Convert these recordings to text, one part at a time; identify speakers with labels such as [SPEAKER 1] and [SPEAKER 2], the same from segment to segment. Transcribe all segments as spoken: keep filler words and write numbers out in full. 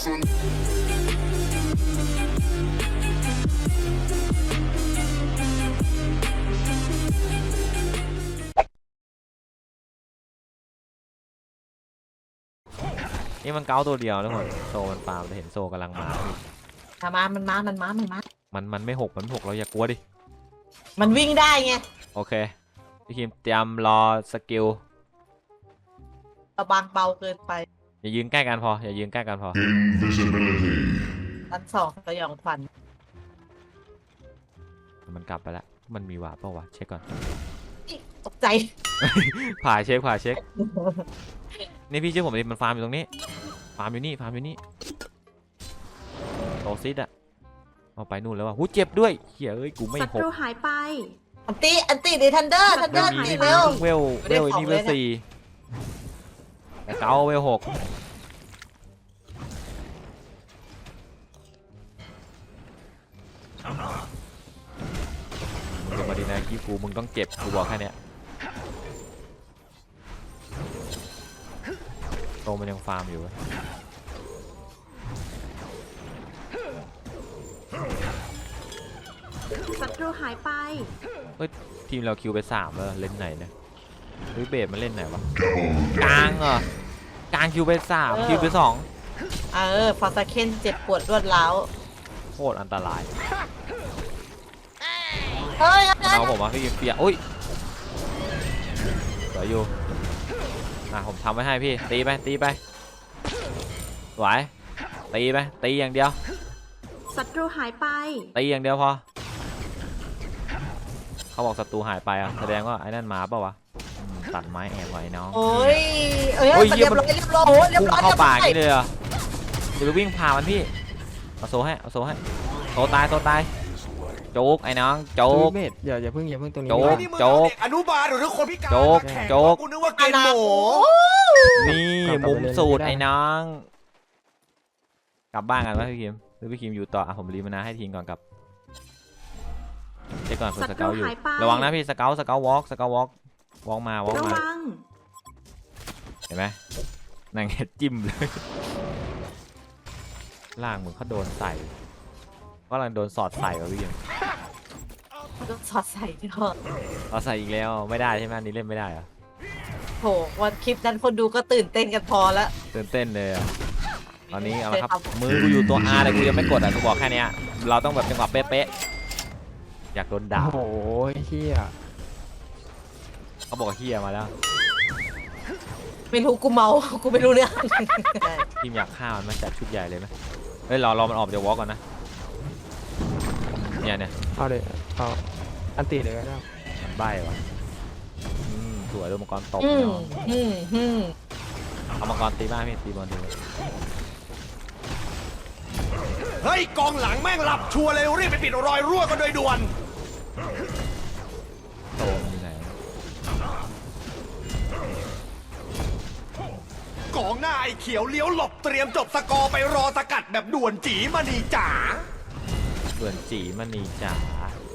[SPEAKER 1] นี่มันเก้าตัวเดียวทุกคนโซมันฟาร์มจะเห็นโซกำลังมา
[SPEAKER 2] มามันมามันมามันมา
[SPEAKER 1] มันมันไม่หกมันหกเราอย่ากลัวดิ
[SPEAKER 2] มันวิ่งได้ไง
[SPEAKER 1] โอเคพี่คิมเตรียมรอสกิล
[SPEAKER 2] ระบางเบาเกินไป
[SPEAKER 1] อย่ายืนใกล้กันพออย่ายืนใกล้กันพอ
[SPEAKER 2] อันสองสยองขวัญ
[SPEAKER 1] มันกลับไปแล้วมันมีวาร์ปเปล่าวะเช็คก่อน
[SPEAKER 2] ตกใจ
[SPEAKER 1] ผ่าเช็คผ่าเช็คนี่พี่เชื่อผมดิมันฟาร์มอยู่ตรงนี้ฟาร์มอยู่นี่ฟาร์มอยู่นี่โตซิดอะเอาไปนู่นแล้วว่ะหูเจ็บด้วยเฮ้ยเอ้ยกูไม่หกศัตรู
[SPEAKER 3] หายไป
[SPEAKER 2] อันตีอันตีดิทันเดอร์ทันเดอร์ตีเร็ว
[SPEAKER 1] เวลเวลนี่เวลสี่แต่เก้าเวลหกมึงจะมาดีนะกี้กูมึงต้องเจ็บกูบอกแค่เนี้ยโตมันยังฟาร์มอยู่
[SPEAKER 3] ศัตรูหายไป
[SPEAKER 1] เฮ้ยทีมเราคิวไปสามแล้วเล่นไหนเนี่ยหรือเบสมันเล่นไหนวะกลางเหรอกลางคิวไปสามคิวไปสอง
[SPEAKER 2] เออฟาสเคนเจ็บปวดรวดร้าว
[SPEAKER 1] โคตรอันตราย
[SPEAKER 2] เฮ้ย
[SPEAKER 1] เอาผมมาพี่เปียอุ้ยสวยอยู่อ่ะผมทำไว้ให้พี่ตีไปตีไปไหวตีไปตีอย่างเดียว
[SPEAKER 3] ศัตรูหายไป
[SPEAKER 1] ตีอย่างเดียวพอเขาบอกศัตรูหายไปอ่ะแสดงว่าไอ้นั่นมาเปล่าวะตัดไม้แอบไว้น้อง
[SPEAKER 2] โอ้ยเอ้ยเรียบร้อยเรียบร้อยเรียบร้อย
[SPEAKER 1] เข้าป่านี่เลยอ่ะเดี๋ยวไปวิ่งผ่ามันพี่เอาโซ่ให้เอาโซ่ให้โซ่ตายโซ่ตายโจ๊กไอ้น้องโจ๊ก
[SPEAKER 4] อย่าอย่าเพิ่งอย่าเพิ่งตรงนี้
[SPEAKER 1] โจ๊กโจ๊ก
[SPEAKER 5] อนุบาลหรือคนพิการ
[SPEAKER 1] โจ๊กโจ๊ก
[SPEAKER 5] กูนึกว่าเกณฑ์หมู
[SPEAKER 1] นี่มุมสูตรไอ้น้องกลับบ้านกันวะพี่คิมหรือพี่คิมอยู่ต่ออ่ะผมรีมานาให้ทีมก่อนกับเช็คก่อนเผื่อสเกลอยู่ระวังนะพี่สเกลสเกลวอล์กสเกลวอล์กวอล์กมาวอล์กมาเห็นไหมนางเห็ดจิ้มเลยล่างเหมือนเขาโดนใส่ก็กำลังโดนสอดใส่กับพี่คิม
[SPEAKER 2] โดนสอดใส่เถอะ
[SPEAKER 1] สอดใส่อีกแล้วไม่ได้ใช่ไหมนี่เล่นไม่ได้เหรอ
[SPEAKER 2] โหวันคลิปนั้นคนดูก็ตื่นเต้นกันพอแล้ว
[SPEAKER 1] ตื่นเต้นเลยตอนนี้เอาละครับมือกูอยู่ตัว R แต่กูยังไม่กดอ่ะกูบอกแค่นี้เราต้องแบบจังหวะเป๊ะๆอยากโดนด่า
[SPEAKER 4] โอ้ยเฮีย
[SPEAKER 1] เขาบอกเฮียมาแล้ว
[SPEAKER 2] ไม่รู้กูเมากูไม่รู้เรื่อง
[SPEAKER 1] ทีมอยากฆ่ามันมาจัดชุดใหญ่เลยไหมเฮ้ยรอรอมันออกจากวอล์กก่อนนะเนี่ยเนี่ย
[SPEAKER 4] เอาเลยเอาอันตีเลยก็ได้
[SPEAKER 1] มันใบ้วะสวยโดนมังกรตบเนาะเอามังกรตีบ้านพี่ตีบอลตีเลย
[SPEAKER 5] เฮ้ยกองหลังแม่งหลับชัวร์เลยรีบไปปิดรอยรั่วกันโดยด่วน
[SPEAKER 1] โตมันอยู่ไหน
[SPEAKER 5] กองหน้าไอ้เขียวเลี้ยวหลบเตรียมจบสกอร์ไปรอสกัดแบบด่วนจีมณีจ๋า
[SPEAKER 1] ด่วนจีมณีจ๋า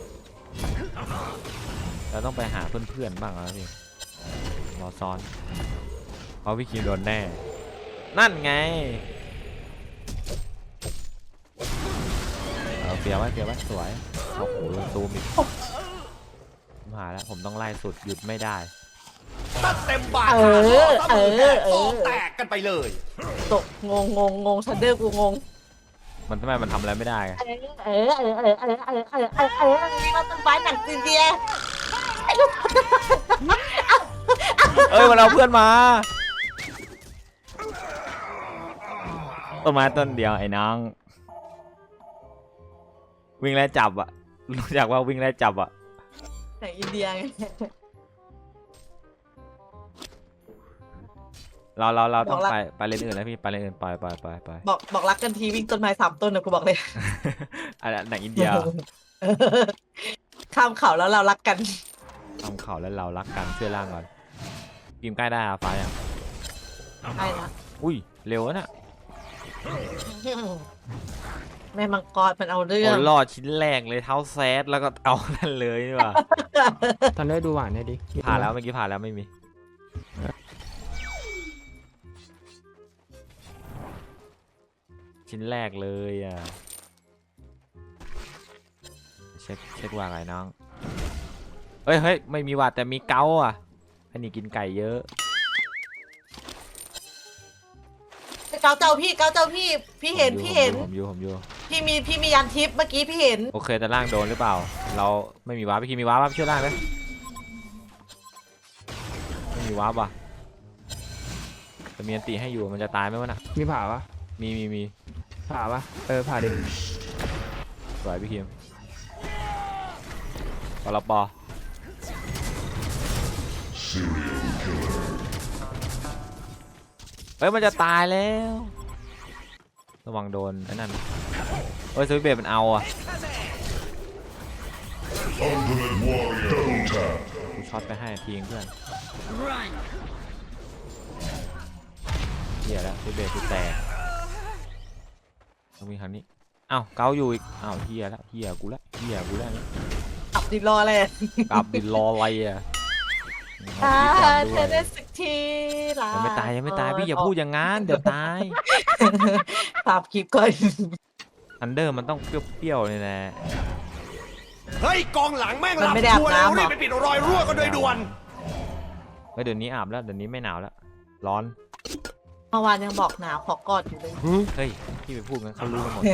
[SPEAKER 1] เราต้องไปหาเพื่อนๆบ้างแล้วพี่รอซ้อนเพราะพี่คิวโดนแน่นั่นไงเอาเฟียไว้เฟียไว้สวยโอ้โหลงตูมอีกผมหาแล้วผมต้องไล่สุดหยุดไม่ได้
[SPEAKER 5] ตัดเต็มบาทเออเออเออแตกกันไปเลย
[SPEAKER 2] ตกงงงงงงชันเดอร์กูงง
[SPEAKER 1] มันทำไมมันทำอะไรไม่ได้
[SPEAKER 2] เออเออเออเออเออเออเออเออเออมีเราต้นไม้หนักจริงๆ
[SPEAKER 1] เอ้ยมันเอาเพื่อนมาต้นไม้ต้นเดียวไอ้น้องวิ่งไล่จับอ่ะรู้จักว่าวิ่งไล่จับอ่ะ
[SPEAKER 2] ไหนอินเดียไง
[SPEAKER 1] เราเราเราต้องไปไปเล่นอื่นแล้วพี่ไปเล่นอื่นไปไปไปไป
[SPEAKER 2] บอกบอกรักกันทีวิ่งต้นไม้สามต้นนะกูบอกเลย
[SPEAKER 1] อะไรหนังอินเดีย
[SPEAKER 2] ข้ามเขาแล้วเรารักกัน
[SPEAKER 1] ข้ามเขาแล้วเรารักกันช่วยล่างก่อนกิมใกล้ได้อะฟ้ายัง
[SPEAKER 2] ใกล้ละ
[SPEAKER 1] อุ้ยเร็วนะ
[SPEAKER 2] แม่มังกรมันเอาเรื่อง
[SPEAKER 1] รอดชิ้นแรกเลยเท้าแซดแล้วก็เอานั่นเลยนี่ว่ะ
[SPEAKER 4] ทันได้ดูหวานได้ดิ
[SPEAKER 1] ผ่านแล้วเมื่อกี้ผ่านแล้วไม่มีชิ้นแรกเลยอ่ะเช็คเช็คว่าไงน้องเฮ้ยเฮ้ยไม่มีหวัดแต่มีเกาอ่ะอันนี้กินไก่เยอะ
[SPEAKER 2] เกาเจ้าพี่เกาเจ้าพี่พี่เห็นพี่เห็น
[SPEAKER 1] ผมอยู่ผมอยู่
[SPEAKER 2] พี่มีพี่มียันทิปเมื่อกี้พี่เห็น
[SPEAKER 1] โอเคแต่ล่างโดนหรือเปล่าเราไม่มีวาร์ปพี่คิมมีวาร์ปช่วยล่างไหมไม่มีวาร์ปว่ะแต่มีอันตีให้อยู่มันจะตายไหมวะน่ะ
[SPEAKER 4] มีผ่าปะ
[SPEAKER 1] มีมีมี
[SPEAKER 4] ผ่าปะเออผ่าดิ
[SPEAKER 1] สวยพี่คิมปลปอเฮ้ยมันจะตายแล้วระวังโดนไอ้นั่นเฮ้ยสวิตเบดมันเอาอ่ะกูช็อตไปให้ทีงเพื่อนเหี้ยแล้วสวิตเบดกูแตกต้องมีครั้งนี้อ้าวเกาอยู่อีกอ้าวเหี้ยแล้วเหี้ยกูแล้วเหี้ยกูแล้วนี่
[SPEAKER 2] อับดิรอเลย
[SPEAKER 1] กลับดินรออะไรอ่ะ
[SPEAKER 2] อ่า
[SPEAKER 1] เอา
[SPEAKER 2] เธ
[SPEAKER 1] คลิปก่อนด้วย
[SPEAKER 2] อได้สักทีละ
[SPEAKER 1] ยังไม่ตายยังไม่ตายพี่อย่าพูดอย่างงั้นเดี๋ยวตาย
[SPEAKER 2] ปรับคลิปก่อน
[SPEAKER 1] อันเดอร์มันต้องเปรี้ยวๆเลยนะ
[SPEAKER 5] เฮ้ยกองหลังแม่ง
[SPEAKER 2] มัน
[SPEAKER 5] รับ
[SPEAKER 2] ไม่ได้อาบ
[SPEAKER 5] ชัวร์แล้ว
[SPEAKER 2] น้ำหร
[SPEAKER 5] รี
[SPEAKER 2] อ
[SPEAKER 5] บไปปิดรอยรั่วกันโดยด่วน
[SPEAKER 1] เฮ้ยเดี๋ยวนี้อาบแล้วเดี๋ยวนี้ไม่หนาวแล้วร้อน
[SPEAKER 2] เมื่อวานยังบอกหนาวขอกอดอยู่เลย
[SPEAKER 1] เฮ้ยพี่ไปพูดงั้นเขารู้กันหมด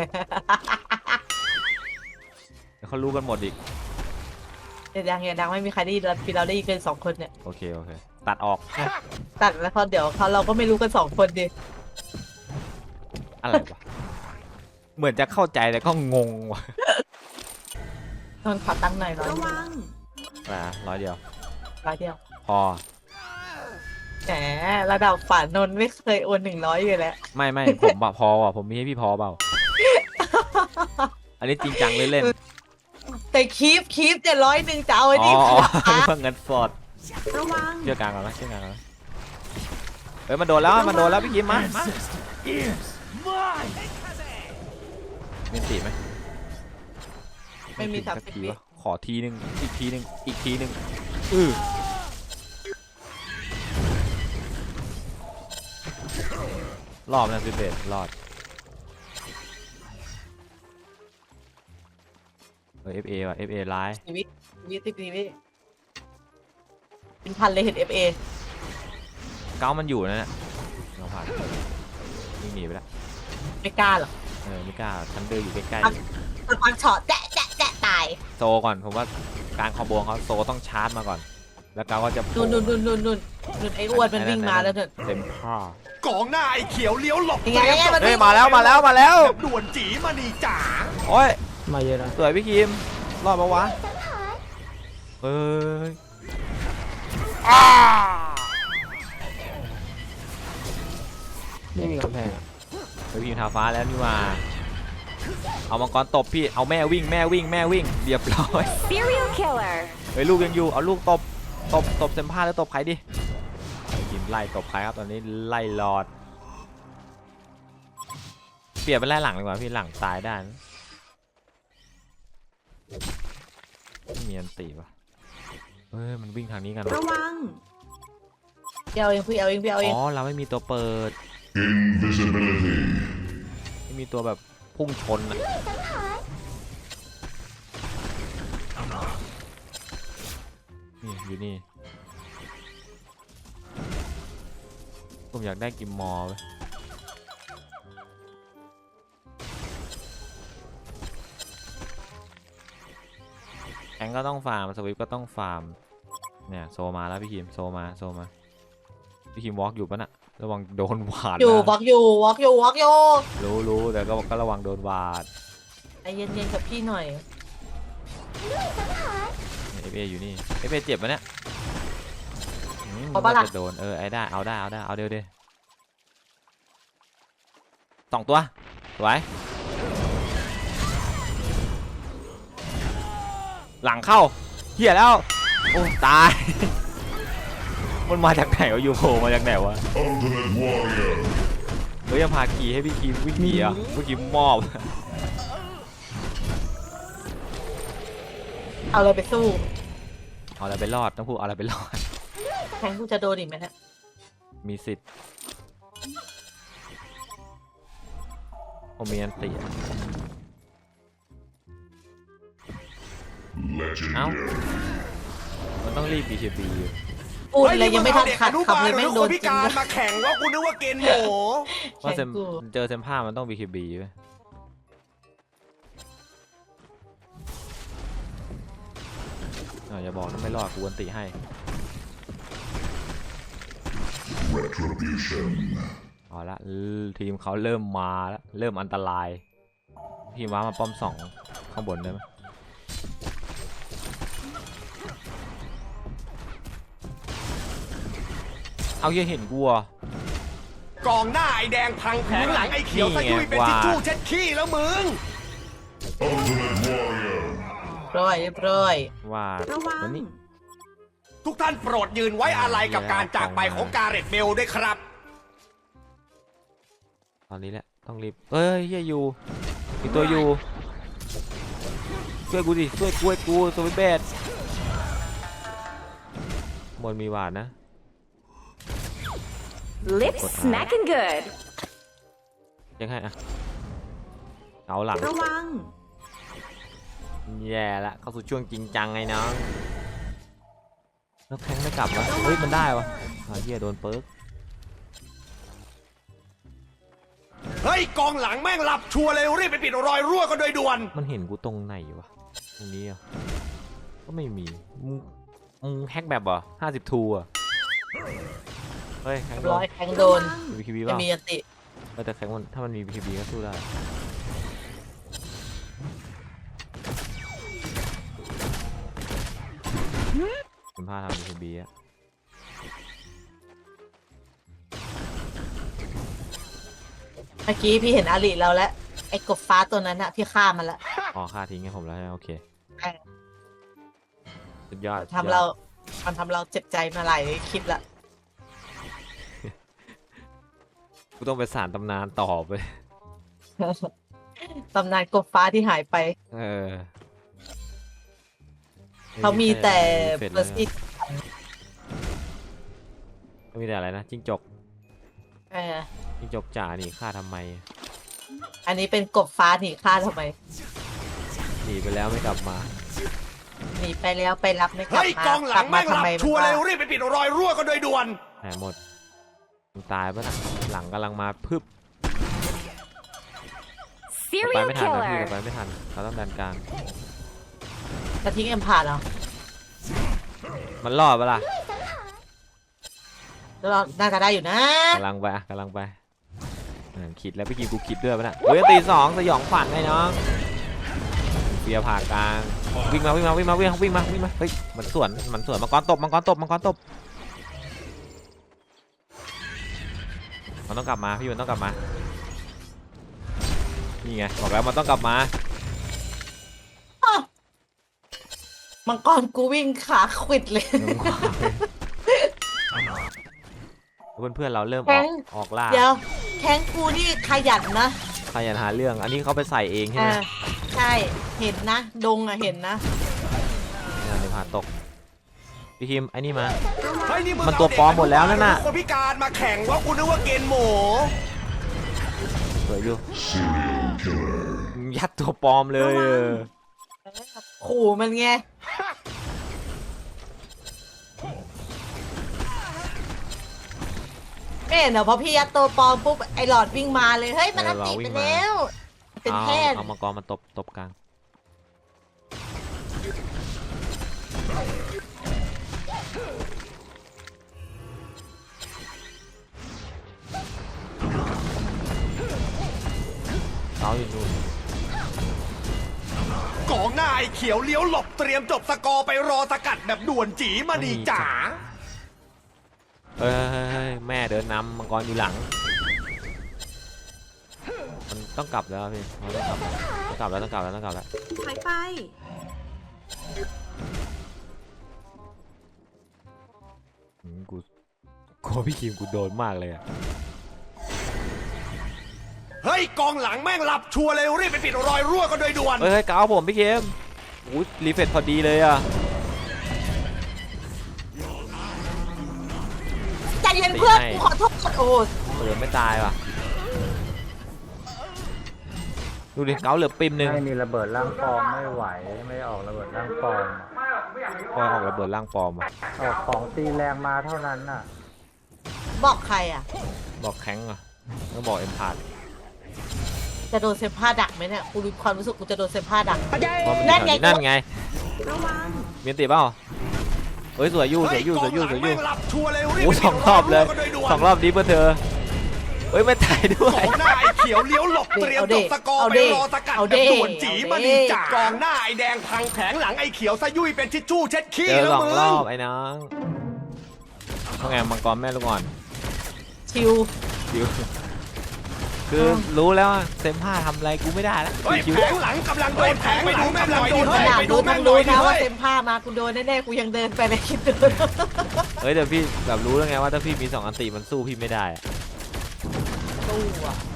[SPEAKER 1] เดี๋ยวเขารู้กันหมดอีก
[SPEAKER 2] เดี๋ยวยังยังดังไม่มีใครได้ยินเราพี่เราได้ยินกันสองคนเนี่ย
[SPEAKER 1] โอเคโอเคตัดออก
[SPEAKER 2] ตัดแล้วเขาเดี๋ยวเขาเราก็ไม่รู้กันสองคนดิ
[SPEAKER 1] อะไรวะเหมือนจะเข้าใจแต่ก็งงว่ะ
[SPEAKER 2] นนขอตั้งหน่อยร้อย
[SPEAKER 3] ระวัง
[SPEAKER 1] มาร้อยเดียว
[SPEAKER 2] ร้อยเดียว
[SPEAKER 1] พอ
[SPEAKER 2] แหมระดับฝานนท์ไม่เคยโอนหนึ่งร้อยอยู่แล้ว
[SPEAKER 1] ไม่ไม่ผมอะพอว่ะผมมีให้พี่พอเปล่าอันนี้จริงจังเลยเล่น
[SPEAKER 2] แต่คีฟคีฟจะร้อยหนึ่งจะเอาไอ้
[SPEAKER 1] อ๋อ
[SPEAKER 2] นี่
[SPEAKER 1] อ๋อ
[SPEAKER 2] ขา
[SPEAKER 1] เพิ่งเงินสด
[SPEAKER 3] ระวัง
[SPEAKER 1] เชื่อกลางก่อนนะเชื่อกลางก่อนนะเฮ้ยมันโดนแล้วมันโดนแล้วพี่กิมมามามีตีไหม
[SPEAKER 2] ไม่มีสาม
[SPEAKER 1] สัก
[SPEAKER 2] สิบ
[SPEAKER 1] ที
[SPEAKER 2] วิ
[SPEAKER 1] วะขอทีนึงอีกทีนึงอีกทีนึงอือรอบนะสิเบสรอดเออ เอฟ เอ ว่ะ เอฟ เอ ร้าย
[SPEAKER 2] ชีวิตชีวิตชีวิตเป็นพันเลยเห็นเอฟเอ
[SPEAKER 1] เก้ามันอยู่นั่นแหละเราผ่านวิ่งหนีไปแล้ว
[SPEAKER 2] ไม่กล้าหรอก
[SPEAKER 1] เออไม่กล้าทันเดอร์อยู่ใกล้
[SPEAKER 2] ตะปังช็อตแจ๊ะแจ๊ะแจ๊ะตาย
[SPEAKER 1] ๆโซก่อนผมว่าการคอมโบของเขาโซต้องชาร์จมาก่อน แล้วเก้าก็จะโผล่
[SPEAKER 2] นุ่นนุ่นนุ่นนุ่นนุ่นนุ่นไอ้อ้วนมันวิ่งมาแล้วนุ่น
[SPEAKER 1] เต็มผ้าก
[SPEAKER 5] องหน้าไอ้เขียวเลี้ยวหลบ
[SPEAKER 2] ยังไงยังไงมัน
[SPEAKER 1] เฮ้ยมาแล้วมาแล้วมาแล้ว
[SPEAKER 5] แบบด่วนจีมณีจ๋า
[SPEAKER 1] โอ้ย
[SPEAKER 4] มาเยอะนะ
[SPEAKER 1] สวยพี่คิมรอดปะวะเฮ้ยอ้า
[SPEAKER 4] ไม่มีกำแพงอะ
[SPEAKER 1] เฮ้ยพี่คิมทาฟ้าแล้วนี่ว่าเอามังกรตบพี่เอาแม่วิ่งแม่วิ่งแม่วิ่งเรียบร้อย
[SPEAKER 6] Serial killer.
[SPEAKER 1] เฮ้ยลูกยังอยู่เอาลูกตบตบตบเซมผ้าแล้วตบใครดิกินไล่ตบใครครับตอนนี้ไล่หลอดเปลี่ยนเป็นไล่หลังดีกว่าพี่หลังตายได้นะไม่มีอันตีวะเฮ้ยมันวิ่งทางนี้กันวะ
[SPEAKER 3] ระวัง
[SPEAKER 2] พี่เอาเองพี่เอาเองพี่เอาเอง
[SPEAKER 1] อ๋อเราไม่มีตัวเปิด
[SPEAKER 7] Invisibility.
[SPEAKER 1] ไม่มีตัวแบบพุ่งชนอะนี่อยู่นี่ผมอยากได้กิมมอร์เว้ยแองก็ต้องฟาร์มสวิปก็ต้องฟาร์มเนี่ยโซมาแล้วพี่คิมโซมาโซมาพี่คิมวอล์กอยู่ปะน่ะระวังโดนหวาด
[SPEAKER 2] อยู่
[SPEAKER 1] นะ
[SPEAKER 2] วอล์กอยู่วอล์กอยู่วอล์กอยู่
[SPEAKER 1] รู้รู้แต่ก็ก็ระวังโดนหวาด
[SPEAKER 2] ใจเย็นๆกับพี่หน่อย
[SPEAKER 1] เอฟเออยู่นี่เอฟเอเจ็บปะเนี่ยอืม
[SPEAKER 2] เอาปะล่ะ
[SPEAKER 1] จะโดนเออไอ้ได้เอาได้เอาได้เอาเดี๋ยวเดี๋ยวสองตัวสวยหลังเข้าเหี้ยแล้วโอ้ตาย มันมาจากไหนวะยูโผล่มาจากไหนวะ
[SPEAKER 7] Ultimate Warrior.
[SPEAKER 1] เฮ้ยยังพาขี่ให้พี่คิมวิ่งหนีอ่ะพี่คิมมอบ
[SPEAKER 2] เอาเลยไปสู้
[SPEAKER 1] เอาอะไรไปรอดต้องพูดเอาอะไรไปรอด
[SPEAKER 2] แทงกูจะโดนอีกไหมเนี่ย
[SPEAKER 1] มีสิทธิ์ผมมีอันติอะ เอ้า
[SPEAKER 7] Legendary.
[SPEAKER 1] มันต้องรีบ บี เค บี อยู่
[SPEAKER 2] พูดเลยยังไม่ทันขัด
[SPEAKER 5] เฮ้ย
[SPEAKER 2] คำเลย
[SPEAKER 5] นี่
[SPEAKER 2] แม่ง
[SPEAKER 5] ง
[SPEAKER 2] โด
[SPEAKER 5] เอา
[SPEAKER 2] น
[SPEAKER 5] เด็กอนุบาลหรือคนพิ
[SPEAKER 2] จริง
[SPEAKER 5] การมาแข่งว่ากูนึกว่าเกณฑ์หมู
[SPEAKER 1] เพราะเซม
[SPEAKER 2] แข่งกู
[SPEAKER 1] เจอเซมผ้ามันต้อง บี เค บี ไปอ่าอย่าบอกนะไม่รอดกูอันติให้
[SPEAKER 7] Retribution.
[SPEAKER 1] เอาละเออทีมเขาเริ่มมาแล้วเริ่มอันตรายทีมว้ามาป้อมสองข้างบนได้ไหมเอาเหี้ยเห็นกูอ่ะ
[SPEAKER 5] กองหน้าไอแดงพังแผงหลังไอเขียวตะยุยเป็นทิชชู่เช็ดขี้แล้วมึง
[SPEAKER 7] Ultimate Warrior.
[SPEAKER 2] เรียบร้อยเรียบร้อย
[SPEAKER 1] ว่า
[SPEAKER 3] ระวัง
[SPEAKER 1] วันนี้
[SPEAKER 5] ทุกท่านโปรดยืนไว้อาลัยกับการจากไปของกาเรตเบลด้วยครับ
[SPEAKER 1] ตอนนี้แหละต้องรีบเอ้ยเฮียอยู่มีตัวอยู่ช่วยกูดิช่วยกูให้กูสวิตเบสบนมีหวาดนะ
[SPEAKER 6] Lips smacking good.
[SPEAKER 1] ยังไงอะเอาหลัง
[SPEAKER 3] ระวัง
[SPEAKER 1] แย่ละเข้าสู่ช่วงจริงจังไงน้องแล้วแทงไม่กลับวะเฮ้ยมันได้วะอ่าเฮียโดนเปิร์ก
[SPEAKER 5] เฮ้ยกองหลังแม่งหลับชัวร์เลยรีบไปปิดรอยรั่วกันโดยด่วน
[SPEAKER 1] มันเห็นกูตรงไหนวะตรงนี้อ่ะก็ไม่มีมึงมึงแฮกแบบเหรอห้าสิบทูอ่ะเฮ้ยแฮก
[SPEAKER 2] เรียบ
[SPEAKER 1] โด
[SPEAKER 2] ร้อน ยแทงโดน
[SPEAKER 1] มีบี เค บี
[SPEAKER 2] ไม่
[SPEAKER 1] ป่ะ
[SPEAKER 2] มีอันติ
[SPEAKER 1] เออแต่แข็งมันถ้ามันมี บี เค บี ก็สู้ได้คุณพาทำ บี เค บี อะ
[SPEAKER 2] เมื่อกี้พี่เห็นอาริเราแล้วไอ้กบฟ้าตัวนั้นอะพี่ฆ่ามันละ
[SPEAKER 1] อ๋อค่าทิ้งให้ผมแล้วใช่ไหมโอเค
[SPEAKER 2] เออ
[SPEAKER 1] สุดยอด
[SPEAKER 2] ทำเรา มันทำเราเจ็บใจมาหลายคลิปละ
[SPEAKER 1] กูต้องไปสารตำนานต่อไป
[SPEAKER 2] ตำนานกบฟ้าที่หายไป
[SPEAKER 1] เออ
[SPEAKER 2] เขามีแต่
[SPEAKER 1] เฟด
[SPEAKER 2] เบอร์ซี่
[SPEAKER 1] เขามีแต่อะไรนะจิ้งจก
[SPEAKER 2] เออ
[SPEAKER 1] จิ้งจกจ๋าหนีฆ่าทำไม
[SPEAKER 2] อันนี้เป็นกบฟ้าหนีฆ่าทำไม
[SPEAKER 1] หนีไปแล้วไม่กลับมา
[SPEAKER 2] หนีไปแล้วไปรับไม่กลับ
[SPEAKER 5] เฮ้ย
[SPEAKER 2] มาก
[SPEAKER 5] องหลั
[SPEAKER 2] กลั
[SPEAKER 5] ง
[SPEAKER 2] มา
[SPEAKER 5] แม่งห
[SPEAKER 2] ทำ
[SPEAKER 5] ลับ
[SPEAKER 2] ไม
[SPEAKER 5] ชัวร์เลย
[SPEAKER 2] มัน
[SPEAKER 5] รีบไปปิดรอยรั่วกันโดยด่วน
[SPEAKER 1] หายหมดมึงตายปะนะหลังกำลังมาพึบไป
[SPEAKER 6] Serial
[SPEAKER 1] ไม่ทันนะพี่
[SPEAKER 6] killer.
[SPEAKER 1] ไปไม่ทันเขาต้องดันกลาง
[SPEAKER 2] จะทิ้งเอ็มพาเหรอ
[SPEAKER 1] มันรอดปะล่ะ
[SPEAKER 2] แล้วเราน่าจะได้อยู่นะ
[SPEAKER 1] กำลังไปอะกำลังไปอ่าคิดแล้วพี่กินกูคิดด้วยปะนะเฮ้ยตีสองสยองขวัญไงน้องเบียร์ผ่ากลางวิ่งมาวิ่งมาวิ่งมาวิ่งมาวิ่งมาวิ่งมาเฮ้ยมันสวนมันสวนมังกรตบมังกรตบมังกรตบมันต้องกลับมาพี่มันต้องกลับมานี่ไงบอกแล้วมันต้องกลับมา
[SPEAKER 2] มังกรกูวิ่งขาขวิดเลย
[SPEAKER 1] เพื่อนเพื่อนๆเราเริ่มอ
[SPEAKER 2] แข้
[SPEAKER 1] อก
[SPEAKER 2] ง
[SPEAKER 1] ออกล่า
[SPEAKER 2] เดี๋ยวแข้งกูนี่ขยันนะ
[SPEAKER 1] ใครอยากหาเรื่องอันนี้เขาไปใส่เองใช่ไหม
[SPEAKER 2] อ่าใช่ เห็นนะ ดงอะเห็นนะ
[SPEAKER 1] งานในผ่าตกพี่คิมไอ้นี่มา
[SPEAKER 5] เฮ้ยนี่มึง
[SPEAKER 1] มันตัวปลอมหมดแล้วนั่นน่ะ
[SPEAKER 5] เอาเด็กอนุบาลหรือคนพิการมาแข่งว่ากูนึกว่าเกณฑ์หมู
[SPEAKER 1] สวยอยู่
[SPEAKER 7] Serial killer.
[SPEAKER 1] ยัดตัวปลอมเลยเออ
[SPEAKER 2] ขู่มันไงไม่เห็นเหรอพอพี่ยัดตัวปลอมปุ๊บไอหลอดวิ่งมาเลย เฮ้ย มันอันติไปแล้ว เป็น
[SPEAKER 1] เอา
[SPEAKER 2] แพทย์
[SPEAKER 1] เอามังกรมาตบตบกลางเสาอยู่นู่น
[SPEAKER 5] กองหน้าไอเขียวเลี้ยวหลบเตรียมจบสกอร์ไปรอสกัดแบบด่วนจีมานีจ๋า
[SPEAKER 1] เฮ้ยเฮ้ยเฮ้ยแม่เดินนำมังกรอยู่หลังมันต้องกลับแล้วพี่มันต้องกลับต้องกลับแล้วต้องกลับแล้วต้องกลับแล้ว
[SPEAKER 3] หายไป
[SPEAKER 1] อืมกูกลัวพี่คิมกูโดนมากเลยอะ
[SPEAKER 5] เฮ้ยกองหลังแม่งหลับชัวร์เลยรีบไปปิดรอยรั่วกันโดยด่วน
[SPEAKER 1] เฮ้ยเฮ้ยเกาผมพี่คิมอู้รีเฟรชพอดีเลยอะ
[SPEAKER 2] ใจเย็นเพื่อนกูขอโทษโอ้
[SPEAKER 1] เปิดไม่ตายว่ะดูดิเกาเหลือปิมหนึ่ง
[SPEAKER 8] ไม่มีระเบิดร่างปลอมไม่ไหวไม่ออกระเบิดร่างปลอม
[SPEAKER 1] คอยออกระเบิดร่างปลอมอะ
[SPEAKER 8] ออกของตีแรงมาเท่านั้นน่ะ
[SPEAKER 2] บอกใครอ่ะ
[SPEAKER 1] บอกแข้งอะก็บอกเอ็มพาร์
[SPEAKER 2] จะโดนเซมผ้าดักไหมเนี่ยกูรู้ความรู้สึกกูจะโดนเซมผ้าดัก
[SPEAKER 1] นั่นไงนั่นไง
[SPEAKER 3] ระวัง
[SPEAKER 1] มีอันติเปล่าเฮ้ยสวยอยู่สวยอยู่สวยอยู่สวยอยู่
[SPEAKER 5] แม่งหลับชัวร์เลยรีบ
[SPEAKER 1] โอ้
[SPEAKER 5] ไป
[SPEAKER 1] สองรอบเลย
[SPEAKER 5] กันโดด่วน
[SPEAKER 1] สองรอบนี้เพื่อเธอเฮ้ยไม่ตายด้ว
[SPEAKER 5] ก
[SPEAKER 1] ย
[SPEAKER 5] องหน้าไอ้เขียวเลี้ยวหลบเตรียมจบสกอร์ไปรอสกัดแบบด่วนจีมาดีจ่ากองหน้าไอ้แดงพังแผงหลังไอ้เขียวซะยุ่ยเป็นทิชชู่เช็ดขี้
[SPEAKER 1] เจอ
[SPEAKER 5] แล้ว
[SPEAKER 1] สอง
[SPEAKER 5] มึ
[SPEAKER 1] รอง บไอ้น้องต้องไงมังกรแม่ลูกอ่อน
[SPEAKER 2] ชิว
[SPEAKER 1] คิวคือรู้แล้วว่าเซมผ้าทำอะไรกูไม่ได้แล้ว
[SPEAKER 5] เฮ้ย
[SPEAKER 1] คิว
[SPEAKER 5] แผงหลังกำลังโดนแผงไปดูแม่งหน่อยดิ
[SPEAKER 2] ข
[SPEAKER 5] เฮ้ย
[SPEAKER 2] นาด
[SPEAKER 5] ไปดู
[SPEAKER 2] รู้
[SPEAKER 5] แม่
[SPEAKER 2] ทั้
[SPEAKER 5] ง
[SPEAKER 2] ง
[SPEAKER 5] หน่
[SPEAKER 2] รู้
[SPEAKER 5] อยดิ
[SPEAKER 2] นะว่า
[SPEAKER 5] เฮ้ย
[SPEAKER 2] เซมผ้ามากูโดนแน่ๆกูยังเดินไปเลยคิดดู
[SPEAKER 1] เฮ้ยแต่พี่แบบรู้แล้วไงว่าถ้าพี่มีสองอันติมันสู้พี่ไม่ได้อะ
[SPEAKER 2] ตู้อ่ะ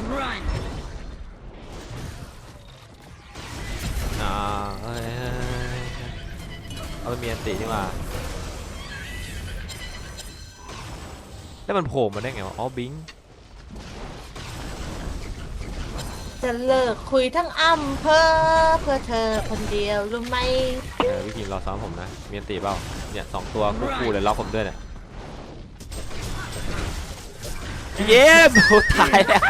[SPEAKER 1] อ่าเอ้ยเอาไปมีอันติดีกว่าแล้วมันโผล่มาได้ไงวะอ๋อบิง
[SPEAKER 2] จะเลิกคุยทั้งอำเภอเพื่อเธอคนเดียวรู้ไหม
[SPEAKER 1] เออพี่คิมรอซ้อมผมนะมีอันติเปล่าเนี่ยสองตัวคู่ๆเลยล็อกผมด้วยเนี่ยพี่เย็บโอ้ตายแล้ว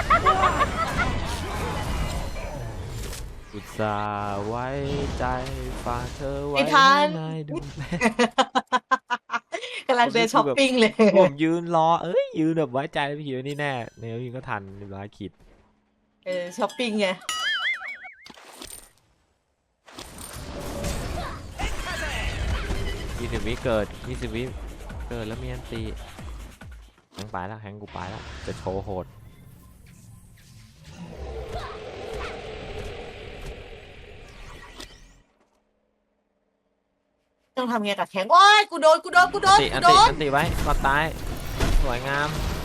[SPEAKER 1] อุตส่าห์ไว้ใจฝากเธอไว้ในดวงใจ
[SPEAKER 2] กำลังเดินช้อปปิ้งเลย
[SPEAKER 1] ผมยืนรอเอ้ยยืนแบบไว้ใจพี่คิวนี่แน่เนี่ยพี่ก็ทันเรียบร้อยขีด
[SPEAKER 2] เออช้อปปิ้งไง
[SPEAKER 1] ยี่สิบวิเกิดยี่สิบวิเกิดแล้วมีอันตีแฮงไปแล้วแฮงกูไปแล้วจะโชว์โหด
[SPEAKER 2] ต้องทำไงกับแข็งโอ้ยกูโดนกูโดนกูโด
[SPEAKER 1] อัน
[SPEAKER 2] น
[SPEAKER 1] ติอั
[SPEAKER 2] กู
[SPEAKER 1] น
[SPEAKER 2] โด
[SPEAKER 1] ติ
[SPEAKER 2] น
[SPEAKER 1] อันติไว้ก่อนตายสวยงาม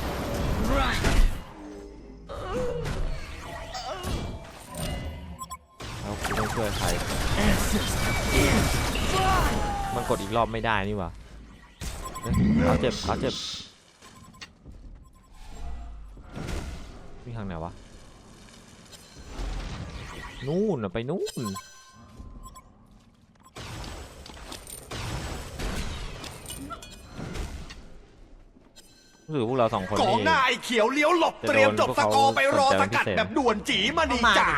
[SPEAKER 1] แล้วกูต้องช่วยใครมันกดอีกรอบไม่ได้นี่หว่าเฮ้ยเขาเจ็บเขาเจ็บวิ่งทางไหนวะนู่นน่ะไปนู่นรู้สึกพวกเราสองคน
[SPEAKER 5] กอง
[SPEAKER 1] นี่
[SPEAKER 5] หน้าไอ้เขียวเลี้ยวหลบเตรียมจบสกอร์ไปรอสกัดแบบด่วนจีมาดีจ่า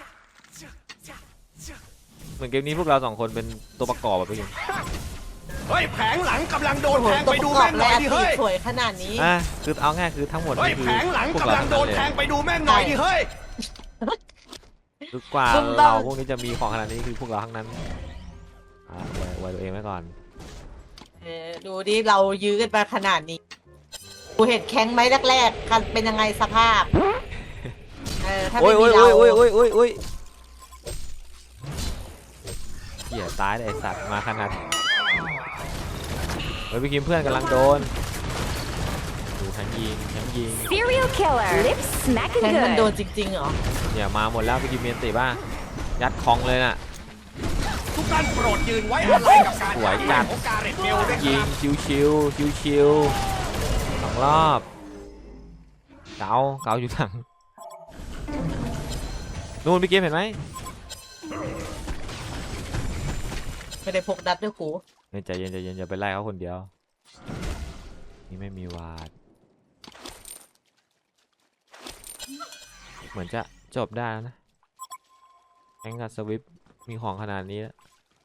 [SPEAKER 1] เหมือนเกมนี้พวกเราสองคนเป็นตัวประกอบแบบนี้
[SPEAKER 5] เฮ้ยแผงหลังกำลังโดน
[SPEAKER 2] โอ้โห
[SPEAKER 5] แทง
[SPEAKER 2] ตัว
[SPEAKER 5] ไป
[SPEAKER 2] ป
[SPEAKER 5] ดู
[SPEAKER 2] ระกอ
[SPEAKER 5] แม่
[SPEAKER 2] บ
[SPEAKER 5] งห
[SPEAKER 2] แร
[SPEAKER 5] น่อย
[SPEAKER 2] ก
[SPEAKER 5] ดิ
[SPEAKER 2] ตี
[SPEAKER 5] เฮ้ย
[SPEAKER 2] สวยขนาดนี้
[SPEAKER 1] อ่ะคือเอาง่ายคือทั้งหมด
[SPEAKER 5] เฮ้ย
[SPEAKER 1] นี่คือ
[SPEAKER 5] แผงหลัง
[SPEAKER 1] พวก
[SPEAKER 5] กำ
[SPEAKER 1] เรา
[SPEAKER 5] ลังโดนแทงไปดูแม่งหน่อยดิเฮ้ย
[SPEAKER 1] คือกว่าเราพวกนี้จะมีของขนาดนี้คือพวกเราทั้งนั้นอ่ะไว้ไว้ตัวเองไว้ก่อน
[SPEAKER 2] เออดูดิเรายื้อกันมาขนาดนี้กูเห็นแข้งไหมแรกๆกันเป็นยังไงสภาพเออถ้า
[SPEAKER 1] โอ้
[SPEAKER 2] ไม่
[SPEAKER 1] ย
[SPEAKER 2] มี
[SPEAKER 1] โอ้ย
[SPEAKER 2] เรา
[SPEAKER 1] โอ้ยโอ้ยโอ้ยโอ้ยเหี้ยตายเลยไอ้สัตว์มาขนาดเฮ้ยพี่คิมเพื่อนกำลังโดนดูทั้งยิงทั้งยิง
[SPEAKER 6] Serial killer. Lip
[SPEAKER 2] แข้ง
[SPEAKER 6] smacking
[SPEAKER 2] มันโดน
[SPEAKER 6] good.
[SPEAKER 2] จริงๆเหรอ
[SPEAKER 1] เนี่ยมาหมดแล้วพี่คิมเมียนติบ้ายัดคองเลยน่ะ
[SPEAKER 5] ทุกท่านโปรดยืนไว้อะไรกับการ
[SPEAKER 1] สวยจัด
[SPEAKER 5] ของการเรตเมลด้วยค
[SPEAKER 1] ยิ
[SPEAKER 5] รั
[SPEAKER 1] ง
[SPEAKER 5] บ
[SPEAKER 1] ชิวชิวชิวชิวๆสองรอบเกาเกาอยู่ถังนู่นพี่เกมเห็นไหม
[SPEAKER 2] ไม่ได้พกดัดด้วยกู
[SPEAKER 1] เฮ้ยใจเย็นใจเย็นอย่าไปไล่เขาคนเดียวนี่ไม่มีวาดเหมือนจะจบได้แล้วนะแองกับสวิปมีของขนาดนี้แล้ว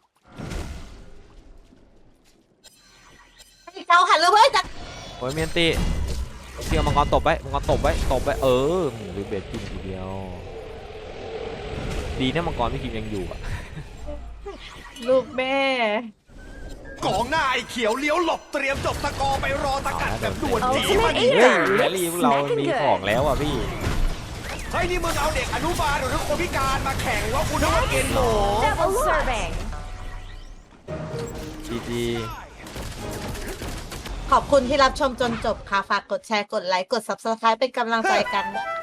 [SPEAKER 2] เราหันเลยเว้ยจัด
[SPEAKER 1] โอ้ยเมียนติเที่ยวมังกรตบไว้มังกรตบไว้ตบไว้เออหรือเบสกินทีเดียวดีนะมังกรพี่คิมยังอยู่อะ
[SPEAKER 2] ลูกแม่
[SPEAKER 5] กองหน้าไอ้เขียวเลี้ยวหลบเตรียมจบสกอร์ไปรอสกัดแบบด่วนจีมา
[SPEAKER 6] Ultimate
[SPEAKER 5] ดี
[SPEAKER 1] เฮ้ย
[SPEAKER 6] Eater.
[SPEAKER 1] แร
[SPEAKER 6] Lip
[SPEAKER 1] ลี่พวกเรามี
[SPEAKER 6] smacking
[SPEAKER 1] ของ
[SPEAKER 6] good.
[SPEAKER 1] แล้วอ่ะพี่
[SPEAKER 5] เฮ้ยนี่มึงเอาเด็กอนุบาลหรือคนพิการมาแข่งว่าคุณนึกว่าเกณฑ์โห
[SPEAKER 6] Double serving.
[SPEAKER 1] จีจี
[SPEAKER 2] ขอบคุณที่รับชมจนจบค่ะ ฝากกดแชร์ กดไลค์ กด ซับสไครบ์ เป็นกำลังใจกันนะคะ